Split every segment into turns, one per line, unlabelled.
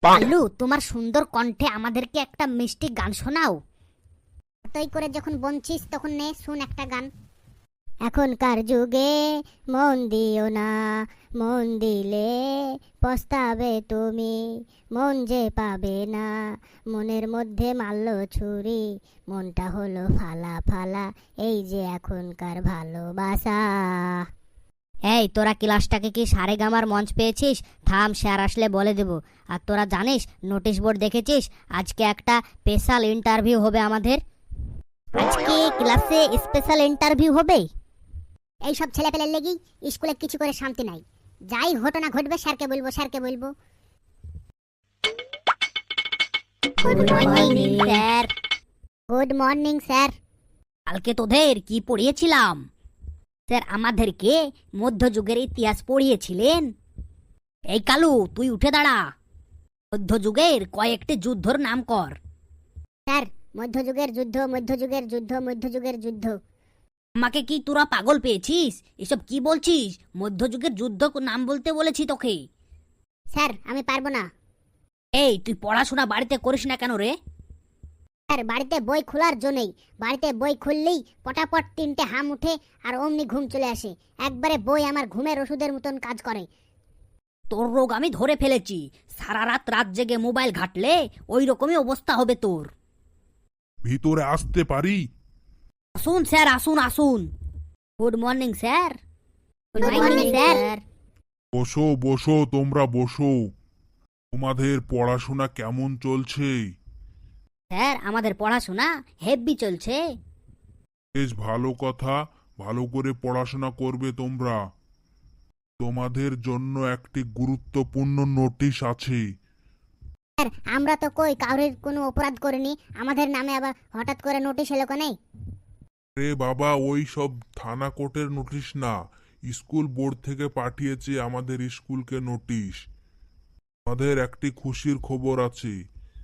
আলু, তোমার সুন্দর কণ্ঠে আমাদেরকে একটা মিষ্টি গান শোনাও।
তুই করে যখন বলছিস তখন নে শুন একটা গান। এখনকার যুগে মন দিও না, মন দিলে পস্তাবে তুমি, মন যে পাবে না, মনের মধ্যে মারল ছুরি, মনটা হলো ফালা ফালা, এই যে এখনকার ভালোবাসা।
এই, তোরা ক্লাসটাকে কি সারেগামার মঞ্চ পেয়েছিস? থাম, স্যার আসলে বলে দেব। আর তোরা জানিস, নোটিশ বোর্ড দেখেছিস? আজকে একটা স্পেশাল ইন্টারভিউ হবে আমাদের। আজকে ক্লাসে স্পেশাল ইন্টারভিউ হবে।
এইসব ছেলেপেলের লেগেই স্কুলে কিছু করে শান্তি নাই। যাই ঘটনা ঘটবে স্যারকে বলবো, স্যারকে বলবো।
Good morning sir.
Good morning sir.
কালকে তোদের কি পড়িয়েছিলাম? স্যার আমাদেরকে মধ্যযুগের ইতিহাস পড়িয়েছিলেন। এই কালু, তুই উঠে দাঁড়া। মধ্যযুগের কয়েকটি যুদ্ধর নাম কর।
স্যার, মধ্যযুগের যুদ্ধ, মধ্যযুগের যুদ্ধ, মধ্যযুগের যুদ্ধ।
আমাকে কি তোরা পাগল পেয়েছিস? এসব কি বলছিস? মধ্যযুগের যুদ্ধ নাম বলতে বলেছি তোকে।
স্যার আমি পারবো না।
এই, তুই পড়াশোনা বাড়িতে করিস না কেন রে?
স্যার বাড়িতে বই খোলার জন্যই, বাড়িতে বই খুললেই পটাপট তিনটে হাম উঠে আর অমনি ঘুম চলে আসে। একবারে বই আমার ঘুমের ওষুধের মতন কাজ করে।
তোর রোগ আমি ধরে ফেলেছি। সারা রাত রাত জেগে মোবাইল ঘাটলে ওই রকমই অবস্থা হবে তোর।
ভিতরে আসতে পারি?
আসুন স্যার, আসুন আসুন। Good morning sir.
Good morning sir.
বসো বসো, তোমরা বসো। তোমাদের পড়াশোনা কেমন চলছে?
স্যার আমাদের পড়াশোনা হেভি চলছে।
বেশ ভালো কথা, ভালো করে পড়াশোনা করবে তোমরা। তোমাদের জন্য একটি গুরুত্বপূর্ণ নোটিশ আছে।
স্যার আমরা তো কই কাউরির কোনো অপরাধ করিনি, আমাদের নামে আবার হঠাৎ করে নোটিশ এলো কেন?
রে বাবা, ওই সব থানা কোর্টের নোটিশ না, স্কুল বোর্ড থেকে পাঠিয়েছে আমাদের স্কুলকে নোটিশ। আমাদের একটি খুশির খবর আছে।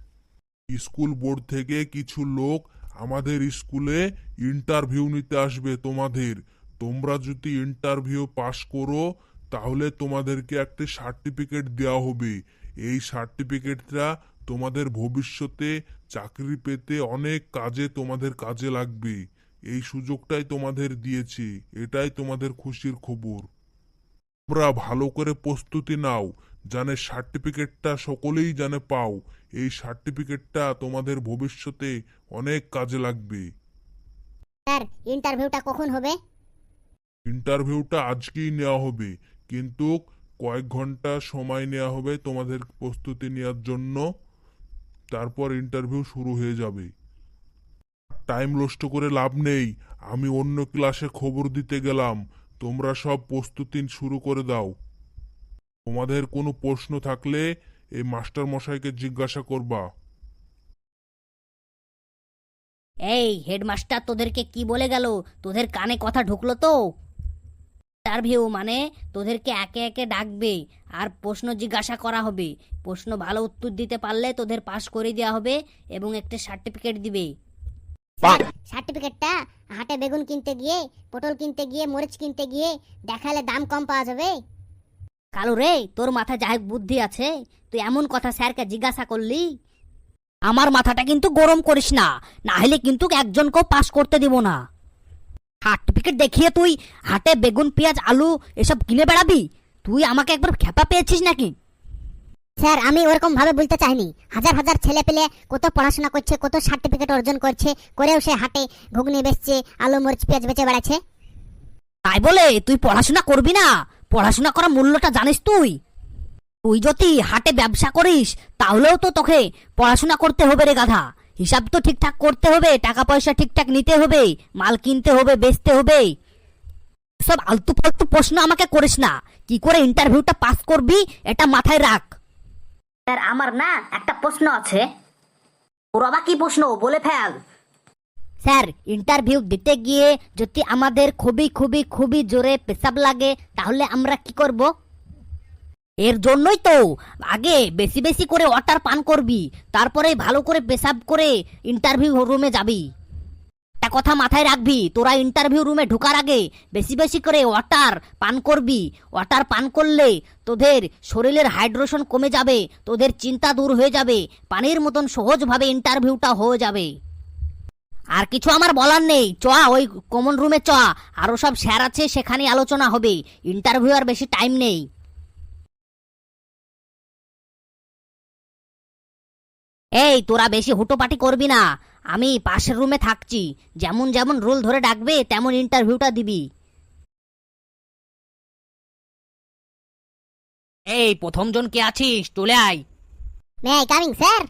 স্কুল বোর্ড থেকে কিছু লোক আমাদের স্কুলে ইন্টারভিউ নিতে আসবে তোমাদের। তোমরা যদি ইন্টারভিউ পাস করো তাহলে তোমাদেরকে একটা সার্টিফিকেট দেওয়া হবে। এই সার্টিফিকেটটা তোমাদের ভবিষ্যতে চাকরি পেতে অনেক কাজে তোমাদের কাজে লাগবে। এই সুযোগটাই তোমাদের দিয়েছি, এটাই তোমাদের খুশির খবর। তোমরা ভালো করে প্রস্তুতি নাও, জানে সার্টিফিকেটটা সকলেই জানে পাও। এই সার্টিফিকেটটা তোমাদের ভবিষ্যতে অনেক কাজে লাগবে।
স্যার ইন্টারভিউটা কখন হবে?
ইন্টারভিউটা আজকেই নেওয়া হবে, কিন্তু কয়েক ঘন্টা সময় নেওয়া হবে তোমাদের প্রস্তুতি নেওয়ার জন্য। তারপর ইন্টারভিউ শুরু হয়ে যাবে। টাইম নষ্ট করে লাভ নেই, আমি অন্য ক্লাসে খবর দিতে গেলাম। তোমরা সব প্রস্তুতি শুরু করে দাও। তোমাদের কোনো প্রশ্ন থাকলে এই মাস্টার মশাইকে জিজ্ঞাসা করবা।
এই হেডমাস্টার তোদেরকে কি বলে গেল? তোদের কানে কথা ঢুকলো তো? ইন্টারভিউ মানে তোদেরকে একে একে ডাকবে আর প্রশ্ন জিজ্ঞাসা করা হবে। প্রশ্ন ভালো উত্তর দিতে পারলে তোদের পাস করে দেওয়া হবে এবং একটা সার্টিফিকেট দিবে।
স্যার সার্টিফিকেটটা হাটে বেগুন কিনতে গিয়ে, পটল কিনতে গিয়ে, মরিচ কিনতে গিয়ে দেখালে দাম কম পাওয়া যাবে।
কালু রে, তোর মাথায় যাই বুদ্ধি আছে, তুই এমন কথা স্যারকে জিজ্ঞাসা করলি? আমার মাথাটা কিন্তু গরম করিস না, না হলে কিন্তু একজনকেও পাস করতে দিব না। সার্টিফিকেট দেখিয়ে তুই হাটে বেগুন পেঁয়াজ আলু এসব কিনে বেড়াবি? তুই আমাকে একবার খেপা পেয়েছিস নাকি?
স্যার আমি ওরকম ভাবে বলতে চাইনি। হাজার হাজার ছেলে পেলে কত পড়াশোনা করছে, কত সার্টিফিকেট অর্জন করছে, করেও সে হাটে ঘুগনি বেচছে, আলু মরিচ পেঁয়াজ বেচে বেড়াচ্ছে।
তাই বলে তুই পড়াশোনা করবি না? পড়াশোনা করার মূল্যটা জানিস তুই? তুই যদি হাটে ব্যবসা করিস তাহলেও তো তোকে পড়াশোনা করতে হবে রে গাধা। হিসাব তো ঠিকঠাক করতে হবে, টাকা পয়সা ঠিকঠাক নিতে হবে, মাল কিনতে হবে, বেচতে হবে। সব আলতু ফালতু প্রশ্ন আমাকে করিস না। কি করে ইন্টারভিউটা পাস করবি এটা মাথায় রাখ। স্যার আমার না একটা প্রশ্ন আছে। ওর আবার কি প্রশ্ন, বলে ফেল। স্যার ইন্টারভিউ দিতে গিয়ে যদি আমাদের খুবই খুবই খুবই জোরে পেশাব লাগে তাহলে আমরা কি করব? এর জন্যই তো আগে বেশি বেশি করে ওয়াটার পান করবি, তারপরে ভালো করে পেশাব করে ইন্টারভিউ রুমে যাবি। একটা কথা মাথায় রাখবি, তোরা ইন্টারভিউ রুমে ঢোকার আগে বেশি বেশি করে ওয়াটার পান করবি। ওয়াটার পান করলে তোদের শরীরের হাইড্রেশন কমে যাবে, তোদের চিন্তা দূর হয়ে যাবে, পানির মতন সহজভাবে ইন্টারভিউটা হয়ে যাবে। আর কিছু আমার বলার নেই, চ ওই কমন রুমে চ, আরো সব স্যার আছে, সেখানে আলোচনা হবে। ইন্টারভিউ আর বেশি টাইম নেই। এই তোরা বেশি হুটোপাটি করবি না, আমি পাশের রুমে থাকছি, যেমন যেমন রুল ধরে ডাকবে তেমন ইন্টারভিউটা দিবি। এই প্রথম জন কে আছিস, চলে আয়।
May I coming sir?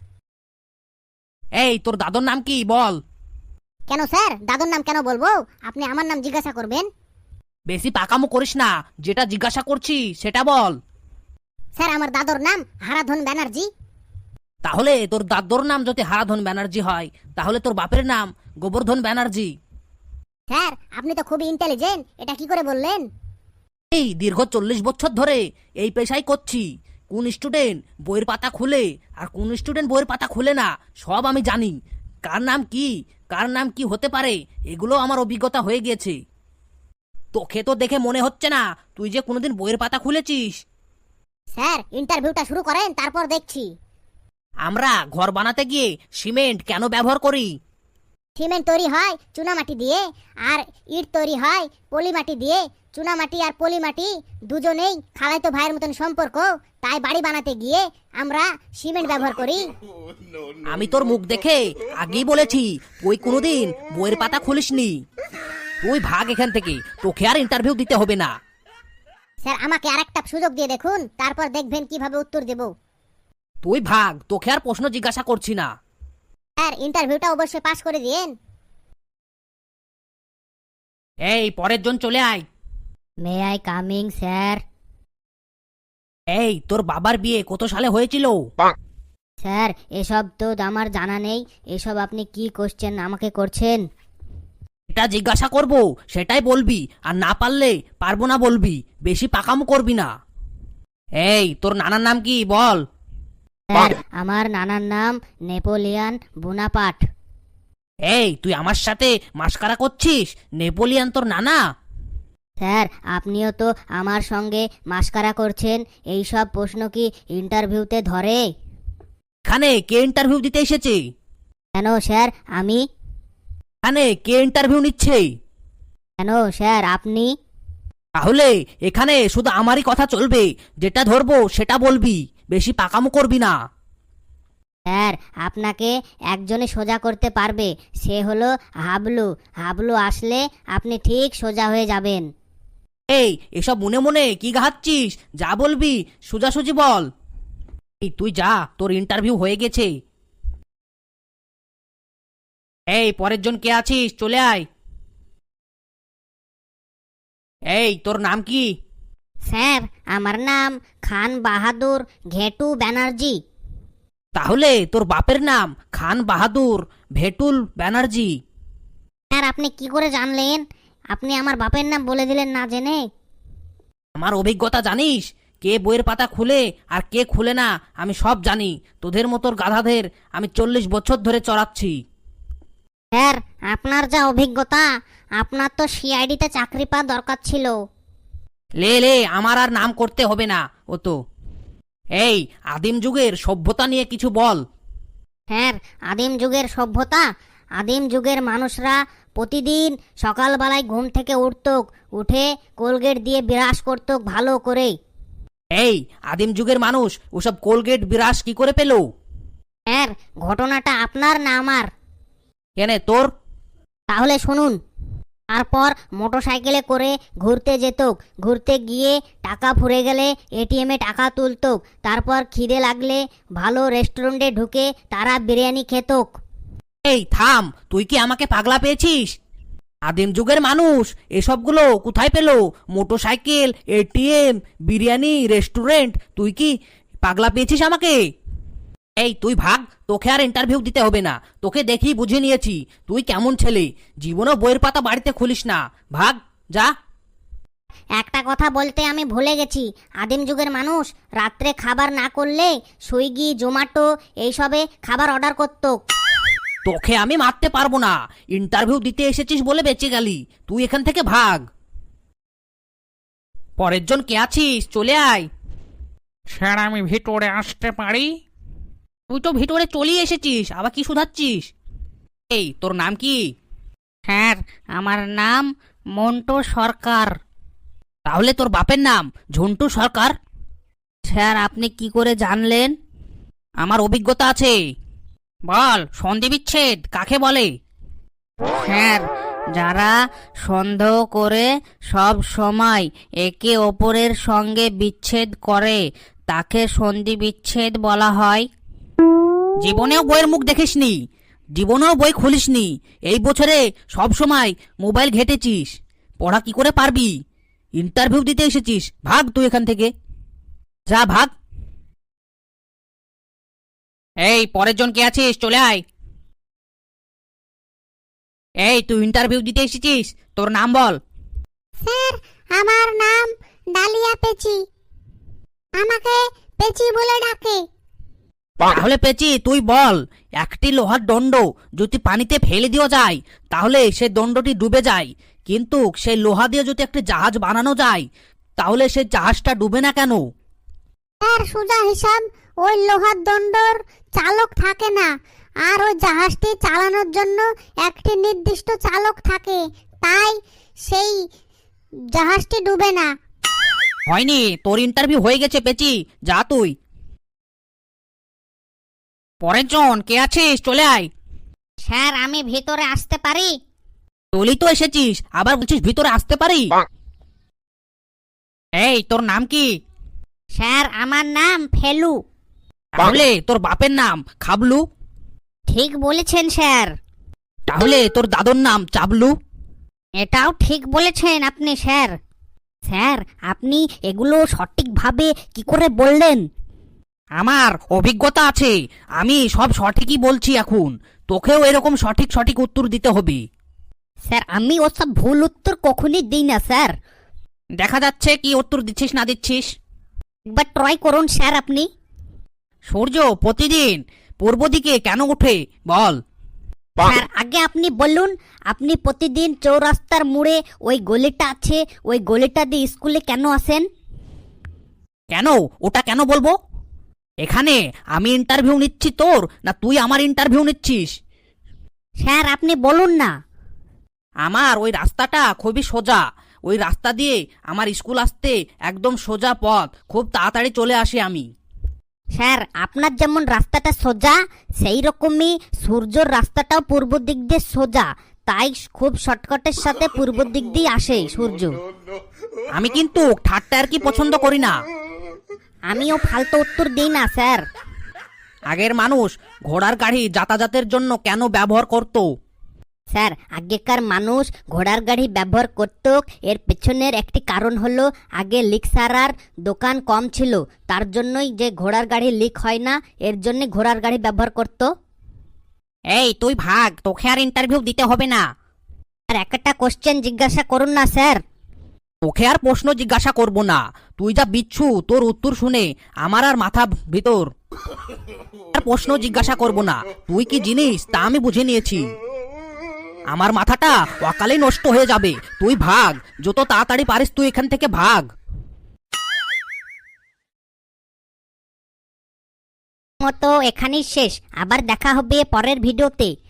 এই তোর দাদুর নাম কি বল?
কেন স্যার, দাদুর নাম কেন বলবো? আপনি আমার নাম জিজ্ঞাসা করবেন।
বেশি পাকামো করিস না, যেটা জিজ্ঞাসা করছি সেটা বল।
স্যার আমার দাদুর নাম হারাধন ব্যানার্জি।
তাহলে তোর দাদুর নাম যদি হারাধন ব্যানার্জি হয়, তাহলে তোর বাপের নাম গোবর্ধন ব্যানার্জি।
স্যার আপনি তো খুবই ইন্টেলিজেন্ট, এটা কি করে বললেন?
এই দীর্ঘ 40 বছর ধরে এই পেশাই করছি। কোন স্টুডেন্ট বইয়ের পাতা খুলে আর কোন স্টুডেন্ট বইয়ের পাতা খুলে না, সব আমি জানি। কার নাম কি, কার নাম কি হতে পারে, এগুলো আমার অভিজ্ঞতা হয়ে গেছে। তোকে তো দেখে মনে হচ্ছে না তুই যে কোনোদিন বইয়ের পাতা খুলেছিস।
স্যার ইন্টারভিউটা শুরু করেন, তারপর দেখছি।
আমরা ঘর বানাতে গিয়ে সিমেন্ট কেন ব্যবহার করি?
সিমেন্ট তৈরি হয় চুনামাটি দিয়ে, আর ইট তৈরি হয় পলিমাটি দিয়ে। চুনামাটি আর পলিমাটি দুজনেই খালাতো ভাইয়ের মতন সম্পর্ক, তাই বাড়ি বানাতে গিয়ে আমরা সিমেন্ট ব্যবহার করি।
আমি তোর মুখ দেখে আগেই বলেছি তুই কোনোদিন বইয়ের পাতা খুলিসনি। তুই ভাগ এখান থেকে, তোকে আর ইন্টারভিউ দিতে হবে না।
স্যার আমাকে আরেকটা সুযোগ দিয়ে দেখুন, তারপর দেখবেন কিভাবে উত্তর দেব।
তুই ভাগ, তোকে আর প্রশ্ন জিজ্ঞাসা করছি না।
স্যার ইন্টারভিউটা অবশ্যই পাস করে দিয়েন।
এই পরের জন চলে আয়।
May I coming sir?
এই তোর বাবার বিয়ে কত সালে হয়েছিল?
স্যার এসব তো আমার জানা নেই, এসব আপনি কি কোশ্চেন আমাকে করছেন?
এটা জিজ্ঞাসা করব সেটাই বলবি, আর না পারলে পারবো না বলবি, বেশি পাকামো করবি না। এই তোর নানার নাম কি বল?
স্যার আমার নানার নাম নেপোলিয়ান বোনাপার্ট।
এই তুই আমার সাথে মাস্কারা করছিস? নেপোলিয়ান তোর নানা?
স্যার আপনিও তো আমার সঙ্গে মাস্কারা করছেন, এই সব প্রশ্ন কি ইন্টারভিউতে ধরে?
এখানে কে ইন্টারভিউ দিতে এসেছে?
কেন স্যার আমি?
এখানে কে ইন্টারভিউ নিচ্ছে?
কেন স্যার আপনি?
তাহলে এখানে শুধু আমারই কথা চলবে, যেটা ধরবো সেটা বলবি, বেশি পাকামো করবি না।
স্যার আপনাকে একজনে সোজা করতে পারবে, সে হলো হাবলু। হাবলু আসলে আপনি ঠিক সোজা হয়ে যাবেন।
এই এসব মনে মনে কি গাহাচ্ছিস, যা বলবি সোজাসুজি বল। এই তুই যা, তোর ইন্টারভিউ হয়ে গেছে। এই পরের জন কে আছিস, চলে আয়। এই তোর নাম কি?
স্যার আমার নাম খান বাহাদুর ঘেটু ব্যানার্জি।
তাহলে তোর বাপের নাম খান বাহাদুর ভেটুল ব্যানার্জি।
স্যার আপনি কি করে জানলেন? আপনি আমার বাপের নাম বলে দিলেন না জেনে।
আমার অভিজ্ঞতা জানিস, কে বইয়ের পাতা খুলে আর কে খুলে না আমি সব জানি। তোদের মতোর গাধাদের আমি 40 বছর ধরে চড়াচ্ছি।
স্যার আপনার যা অভিজ্ঞতা, আপনার তো সিআইডিতে চাকরি পাওয়া দরকার ছিল।
লে লে, আমার আর নাম করতে হবে না ও তো। এই আদিম যুগের সভ্যতা নিয়ে কিছু বল।
স্যার আদিম যুগের সভ্যতা, আদিম যুগের মানুষরা প্রতিদিন সকালবেলায় ঘুম থেকে উঠে কোলগেট দিয়ে বিরাস করত ভালো করে।
এই আদিম যুগের মানুষ ওসব কোলগেট বিরাস কি করে পেল?
স্যার ঘটনাটা আপনার না আমার?
কেনে তোর?
তাহলে শুনুন। তারপর মোটরসাইকেলে করে ঘুরতে যেত, ঘুরতে গিয়ে টাকা ফুরে গেলে এটিএমে টাকা তুলত, তারপর খিদে লাগলে ভালো রেস্টুরেন্টে ঢুকে তারা বিরিয়ানি খেত।
এই থাম, তুই কি আমাকে পাগলা পেয়েছিস? আদিম যুগের মানুষ এসবগুলো কোথায় পেল? মোটরসাইকেল, এটিএম, বিরিয়ানি, রেস্টুরেন্ট, তুই কি পাগলা পেয়েছিস আমাকে? এই তুই ভাগ, তোকে আর ইন্টারভিউ দিতে হবে না, তোকে দেখি বুঝে নিয়েছি তুই কেমন ছেলে। জীবনও বইয়ের পাতা বাড়িতে খুলিস না, ভাগ যা।
একটা কথা বলতে আমি ভুলে গেছি, আদিম যুগের মানুষ রাত্রে খাবার না করলে সুইগি জোম্যাটো এইসবে খাবার অর্ডার করত।
তোকে আমি মারতে পারবো না, ইন্টারভিউ দিতে এসেছিস বলে বেঁচে গেলি, তুই এখান থেকে ভাগ। পরের জন কে আছিস, চলে আয়।
স্যার আমি ভিতরে আসতে পারি?
তুই তো ভিতরে চলেই এসেছিস, আবার কি শুধাচ্ছিস? এই তোর নাম কি?
স্যার আমার নাম মন্টু সরকার।
তাহলে তোর বাপের নাম ঝন্টু সরকার?
স্যার আপনি কি করে জানলেন?
আমার অভিজ্ঞতা আছে। বল, সন্ধি বিচ্ছেদ কাকে বলে?
স্যার যারা সন্দেহ করে সব সময় একে অপরের সঙ্গে বিচ্ছেদ করে তাকে সন্ধি বিচ্ছেদ বলা হয়।
জীবনেও বইয়ের মুখ দেখিসনি, জীবনেও বই খুলিসনি, এই বছরে সব সময় মোবাইল ঘেটেছিস, পড়া কি করে পারবি? ইন্টারভিউ দিতে এসেছিস, ভাগ তুই এখান থেকে, যা ভাগ। এই পরের জন কে আছিস, চলে আয়। এই তুই ইন্টারভিউ দিতে এসেছিস, তোর নাম বল।
স্যার আমার নাম ডালিয়া পেচি, আমাকে পেচি বলে ডাকে।
তাহলে পেঁচি তুই বল, একটি লোহার দণ্ড যদি পানিতে ফেলে দেওয়া যায় তাহলে সে দণ্ডটি ডুবে যায়, কিন্তু সেই লোহা দিয়ে যদি একটা জাহাজ বানানো যায় তাহলে সেই জাহাজটা ডুবে না কেন?
স্যার সোজা হিসাব, ওই লোহার দণ্ডর চালক থাকে না, আর ওই জাহাজটি চালানোর জন্য একটি নির্দিষ্ট চালক থাকে, তাই সেই জাহাজটি ডুবে না।
হয়নি, তোর ইন্টারভিউ হয়ে গেছে পেঁচি, যা তুই। পরের জন কে আছিস, চলে আয়।
স্যার আমি ভিতরে আসতে পারি?
তুই তো এসেছিস, আবার বলছিস ভিতরে আসতে পারি? এই তোর নাম কি?
স্যার আমার নাম ফেলু।
তাহলে তোর বাপের নাম খাবলু?
ঠিক বলেছেন স্যার।
তাহলে তোর দাদুর নাম চাবলু?
এটাও ঠিক বলেছেন আপনি স্যার। স্যার আপনি এগুলো সঠিকভাবে কি করে বললেন?
আমার অভিজ্ঞতা আছে, আমি সব সঠিকই বলছি এখন, তোকেও এরকম সঠিক সঠিক উত্তর দিতে হবে।
স্যার আমি ওসব ভুল উত্তর কখনই দিই না স্যার।
দেখা যাচ্ছে কি উত্তর দিচ্ছিস না দিচ্ছিস।
একবার ট্রাই করুন স্যার আপনি।
সূর্য প্রতিদিন পূর্ব দিকে কেন ওঠে বল?
স্যার আগে আপনি বলুন, আপনি প্রতিদিন চৌরাস্তার মোড়ে ওই গলিটা আছে, ওই গলিটা দিয়ে স্কুলে কেন আসেন?
কেন, ওটা কেন বলবো? এখানে আমি ইন্টারভিউ নিচ্ছি তোর, না তুই আমার ইন্টারভিউ নিচ্ছিস?
স্যার আপনি বলুন না।
আমার ওই রাস্তাটা খুবই সোজা, ওই রাস্তা দিয়ে আমার স্কুল আসতে একদম সোজা পথ, খুব তাড়াতাড়ি চলে আসি আমি।
স্যার আপনার যেমন রাস্তাটা সোজা, সেই রকমই সূর্যর রাস্তাটাও পূর্ব দিক দিয়ে সোজা, তাই খুব শর্টকাটের সাথে পূর্ব দিক দিয়ে আসে সূর্য।
আমি কিন্তু ঠাট্টা আর কি পছন্দ করি না।
আমিও ফালতু উত্তর দিই না স্যার।
আগের মানুষ ঘোড়ার গাড়ি যাতায়াতের জন্য কেন ব্যবহার করত?
স্যার আগেকার মানুষ ঘোড়ার গাড়ি ব্যবহার করত, এর পেছনের একটি কারণ হলো আগে লিক সারার দোকান কম ছিল, তার জন্যই যে ঘোড়ার গাড়ি লিক হয় না, এর জন্য ঘোড়ার গাড়ি ব্যবহার করত।
এই তুই ভাগ, তোকে আর ইন্টারভিউ দিতে হবে না।
আর একটা কোশ্চেন জিজ্ঞাসা করুন না স্যার।
তোকে আর প্রশ্ন জিজ্ঞাসা করব না, তুই যা বিচ্ছু, তোর উত্তর শুনে আমার আর মাথা ভিতর। আর প্রশ্ন জিজ্ঞাসা করব না, তুই কি জিনিস তা আমি বুঝে নিয়েছি। আমার মাথাটা অকালে নষ্ট হয়ে যাবে, তুই ভাগ, যত তাড়াতাড়ি পারিস তুই এখান থেকে ভাগ।
মতো এখানেই শেষ, আবার দেখা হবে পরের ভিডিওতে।